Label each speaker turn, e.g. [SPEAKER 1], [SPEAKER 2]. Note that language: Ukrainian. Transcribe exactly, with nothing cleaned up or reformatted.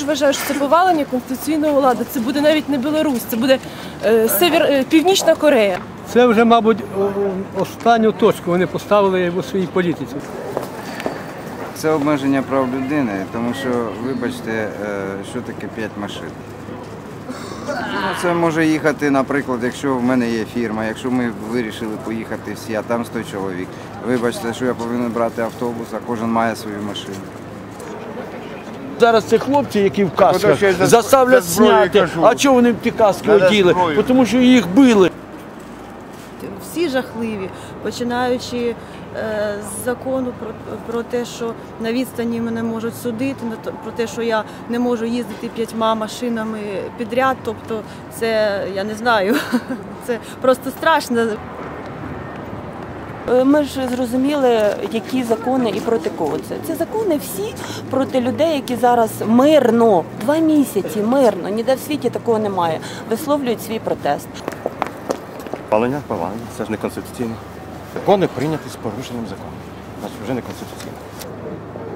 [SPEAKER 1] вважаю, що це повалення конституційного ладу. Це буде навіть не Білорусь, це буде е, Север, е, Північна Корея.
[SPEAKER 2] Це вже, мабуть, останню точку вони поставили у своїй політиці.
[SPEAKER 3] Це обмеження прав людини, тому що, вибачте, що таке п'ять машин. Ну, це може їхати, наприклад, якщо в мене є фірма, якщо ми вирішили поїхати всі, а там сто чоловік. Вибачте, що я повинен брати автобус, а кожен має свою машину.
[SPEAKER 4] Зараз це хлопці, які в касках, заставлять зняти. А чого вони ті каски оділи? Тому що їх били.
[SPEAKER 5] Всі жахливі, починаючи е, з закону про, про те, що на відстані мене можуть судити, про те, що я не можу їздити п'ятьма машинами підряд, тобто це, я не знаю, це просто страшно.
[SPEAKER 6] Ми ж зрозуміли, які закони і проти кого це. Це закони всі проти людей, які зараз мирно, два місяці мирно, ніде в світі такого немає, висловлюють свій протест.
[SPEAKER 7] Палення, палення, це ж не конституційно. Закони прийняті з порушенням закону. Значить, вже не конституційно.